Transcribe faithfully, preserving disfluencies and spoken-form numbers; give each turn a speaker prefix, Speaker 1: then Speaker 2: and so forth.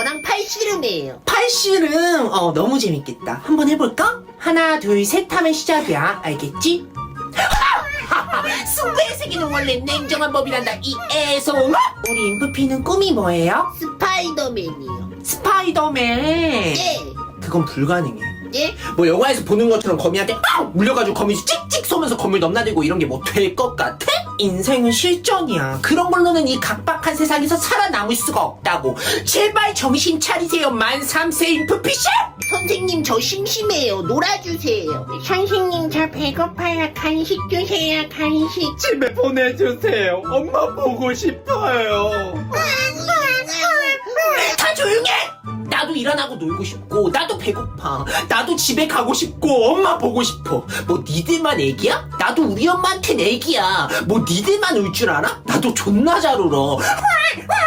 Speaker 1: 저랑 팔씨름이에요.
Speaker 2: 팔씨름 어 너무 재밌겠다. 한번 해볼까? 하나 둘 셋 하면 시작이야. 알겠지? 승부의 세계는 원래 냉정한 법이란다 이 애송. 우리 인프피는 꿈이 뭐예요?
Speaker 1: 스파이더맨이요.
Speaker 2: 스파이더맨.
Speaker 1: 예.
Speaker 2: 그건 불가능해.
Speaker 1: 예?
Speaker 2: 뭐 영화에서 보는 것처럼 거미한테 빡 물려가지고 거미 찍찍 쏘면서 건물 넘나들고 이런 게 뭐 될 것 같아? 인생은 실전이야. 그런 걸로는 이 각박한 세상에서 살아남을 수가 없다고. 제발 정신 차리세요 만 삼 세 인프피씨.
Speaker 1: 선생님 저 심심해요. 놀아주세요. 선생님 저 배고파요. 간식 주세요. 간식.
Speaker 3: 집에 보내주세요. 엄마 보고 싶어요.
Speaker 2: 다 조용해! 나도 일 안 하고 놀고 싶고 나도 배고파. 나도 집에 가고 싶고 엄마 보고 싶어. 뭐 니들만 애기야? 나도 우리 엄마한텐 애기야. 뭐 니들만 울 줄 알아? 나도 존나 잘 울어.